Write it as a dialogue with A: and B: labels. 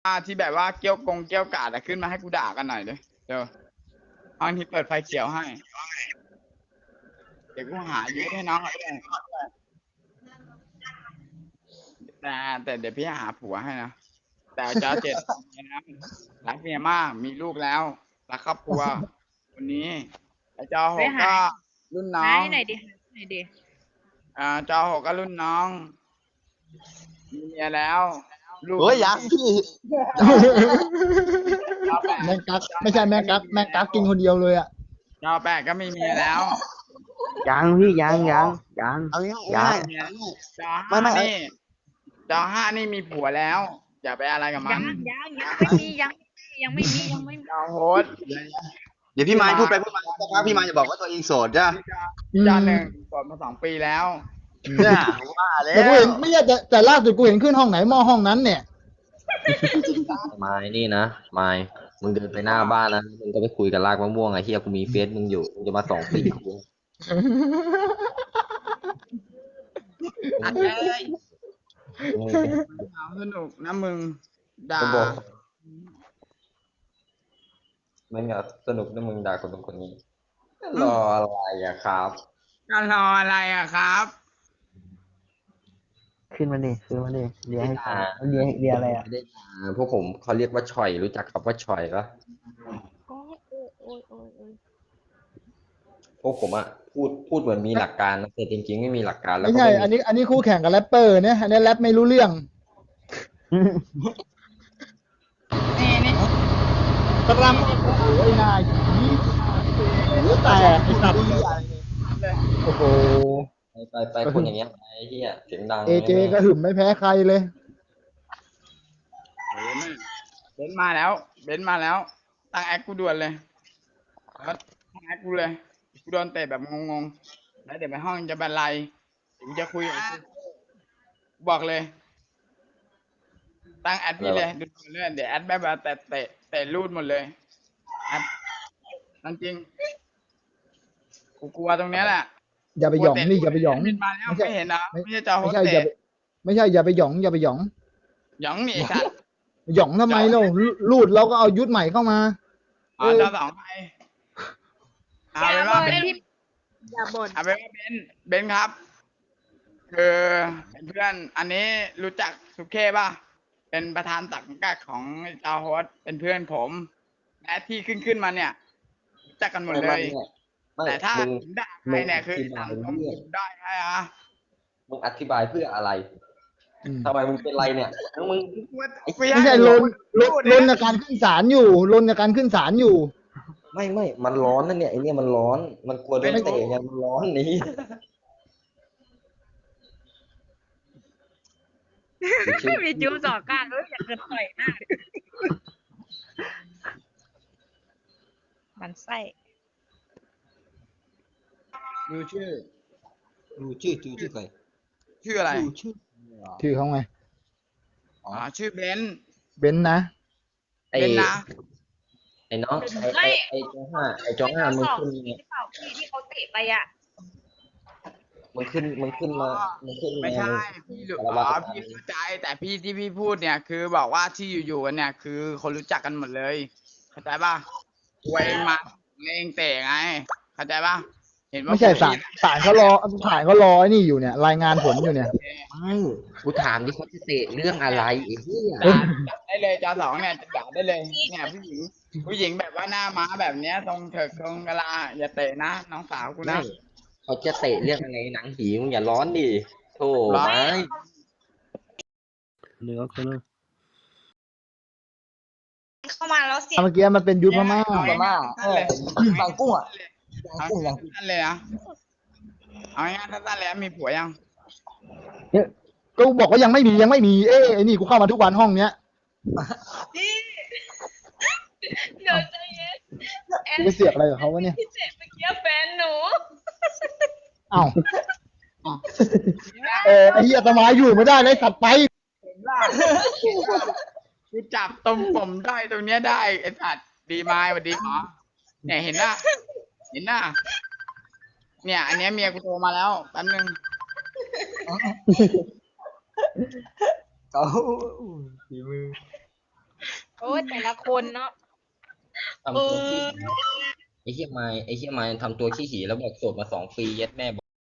A: ที่แบบว่าเกี้ยวเกี้ยวกาดอะขึ้นมาให้กูด่ากันหน่อยเดี๋ยวห้องที่เปิดไฟเขียวให้เดี๋ยวกูหาเยอะให้น้องเขาด้วยแต่เดี๋ยวพี่หาผัวให้นะแต่จะเจ็ดนะรักเมียมากมีลูกแล้วรักครอบครัวคนนี้ไอ้จอหกก็รุ่นน้อง
B: ไหนดิไหนดิ
A: จอหกก็รุ่นน้องมีเมียแล้วลูก
C: เฮ้ยยังพี่
D: แมงกักไม่ใช่แมงกักกินคนเดียวเลยอ่ะ
A: จอแปดก็มีเมียแล้ว
E: ยังพี่ยัง
C: เอาง่าย
A: จอห้านี่จอห้านี่มีผัวแล้ว อย่าไปอะไรกับมัน
B: ยังไม่มี
A: จอโฮส
C: เดี๋ยวพี่ไม้พูดไปพูดมาสักพักพี่ไม้จะบอกว่าตัวเองโสดจ้ะ
A: จอหนึ่งโสดมา2 ปีแล้ว
C: เนี่ยว่าแล้
D: แต่กู
C: ว
D: เห็นไม่ใช่แต่ล่าสุดกูเห็นขึ้นห้องไหนหม้อห้องนั้นเนี่ย
E: ไม่นี่นะไม่มึงเดินไปหน้าบ้านนะมึงก็ไปคุยกับลากมะม่วงไอ้เหี้ยกูมีเฟซมึงอยู่มึงจะมา2 ปีกู
A: อัดเลย
E: มึง
A: สนุกนะมึงด่า
E: ก็บอกไม่อยากสนุกนะมึงด่าคนนี้รออะไรอะครับ
A: ก็รออะไรอะครับ
F: ขึ้นมาดิเรียกให้ฟังเรียกอะไรอ่ะ
E: ไม่ได้ด่าพวกผมเขาเรียกว่าฉ่อยรู้จักคำว่าฉ่อยปะ
B: โอ้ย
E: พวกผมอะพูดเหมือนมีหลักการนะแต่จริงๆไม่มีหลักการแล้ว
D: ไม่
E: ก็
D: ใช่
E: ไม่
D: อัน
E: มี
D: นี้คู่แข่งกับแรปเปอร์เนี่ยอันนี้แรปไม่รู้เรื่อง
A: นี่
D: ตรัมโอ้ยนายหัวแตกไอ้สัตว์โอ้โห
E: ไปคนอย่างเงี้ยไอ้เหี้ยเสียงดัง
D: เอเจก็หึมไม่แพ้ใครเลย
A: เบนมาแล้วตั้งแอคกูด่วนเลยตั้งแอคกูเลยกูโดนเตะแบบงงๆแล้วเดี๋ยวไปห้องจะบรรลัยเดี๋ยวกูจะคุยกับกูบอกเลย ตั้งแอดพี่เลยดูเรื่อยเดี๋ยวแอดแบบแต่รูดหมดเลยแอดจริงกูกลัวตรงเนี้ยแหละ
D: อย่าไปหยองนี่อย่าไปหยอง
A: มินมาแล้วไม่เห็นนะไม่ใช่จอโฮ
D: ไม่
A: ส
D: ใช่
A: เต
D: อย่า
A: ส
D: ไปไม่ใช่อย่าไปหยองอย่าไปหยอง
A: หยองหนีสัตว์
D: หยองทำไมเรารูดเราก็เอายุทธใหม่เข้ามา
A: จอสองไปเอาไปว่าเบน
B: อย่าบ่น
A: เอาไปว่าเบนครับ คือเป็นเพื่อนอันนี้รู้จักสุเคป่ะเป็นประธานสังกัดของจอโฮสเป็นเพื่อนผมและที่ขึ้นมาเนี่ยรู้จักกันหมดเลย แต่ถ้า
E: มึง
A: ผมด่าใครเนี่ยคือสังคมผมได้ใช่ไหม
E: มึงอธิบายเพื่ออะไร
D: อืม
E: ทำไมมึงเป็นไรเนี่ยแล้วมึง
D: ไม่ใช่ลนในการขึ้นศาลอยู่ลนในการขึ้นศาลอยู่
E: ไม่มันร้อนนะเนี่ยไอเนี่ยมันร้อนมันกลัวโดนเตะไงมันร้อนนี่
B: มีจูสองก้านอยากจะต่อยหน้ามันไส้
A: ดูชื่อ
C: ชื่อใคร
A: ชื่ออะไร
D: ชื่อเขาไง
A: ชื่อเบนซ์
D: เบนซ์นะ
E: ไอ้
A: เบนซ์นะ
E: ไอ้น้องไอ้จองห้ามึงขึ้นไง
B: เปล่าพี่ที่เขาเตะไปอ่ะ
E: มึงขึ้นมามึงขึ้น
A: ไม่
E: ไง
A: ใช่
E: มึง
A: พี่เข้าใจแต่พี่ที่พี่พูดเนี่ย คือบอกว่าที่อยู่กันเนี่ย คือคนรู้จักกันหมดเลยเข้าใจป่ะตัวเองมาเองเตะไงเข้าใจป่ะเห็นว่า
D: ไม่ใช่ศาลเขารอไอ้นี่อยู่เนี่ย รายงานผลอยู่เนี่ย
E: ไม่กูถามดิเขาจะเตะเรื่องอะไรไอ้เหี้ย
A: ด่าได้เลยจอสองเนี่ยจะด่าได้เลยเนี่ยผู้หญิงแบบว่าหน้าม้าแบบเนี้ยตรงเถิกตรงกะลาอย่าเตะนะน้องสาวกูนะ
E: ไม่เขาจะเตะเรื่องอะไรหนังผีมึงอย่าร้อนดิโธ่
A: ร้อน
E: ไม่
B: เข้ามาแล้วเสียง
D: เมื่อกี้มันเป็นยุทธพม่า
C: บางกุ้งอ่ะ
A: เอาสั้นเลยนะเอาง่ายๆสั้นๆเลยมีผัวยัง
D: ก็บอกว่ายังไม่มีเอ้ไอ้นี่กูเข้ามาทุกวันห้องเนี้ย
B: เดี๋ยวใจเย็น
D: กูไปเสียบอะไรกับเขาวะเนี่ย
B: พี่เจ็บเมื่อกี้แฟนหนู
D: เอ้าไอ้เหี้ยตะไม้อยู่ไม่ได้เลยสัตว์ไป
A: กูจับตรงผมได้ตรงเนี้ยได้ไอ้สัตว์ดีไม้สวัสดีหมอเนี่ยเห็นหน้าเนี่ยอันเนี้ยเมียกูโทรมาแล้วแป๊บนึง
C: เขาฝีมือ
B: โอ้ยแต่ละคนเนาะ
E: ทำตัวขี้ไอ้เหี้ยไม้ทำตัวขี้หีแล้วบอกโสดมา2 ปีเย็ดแม่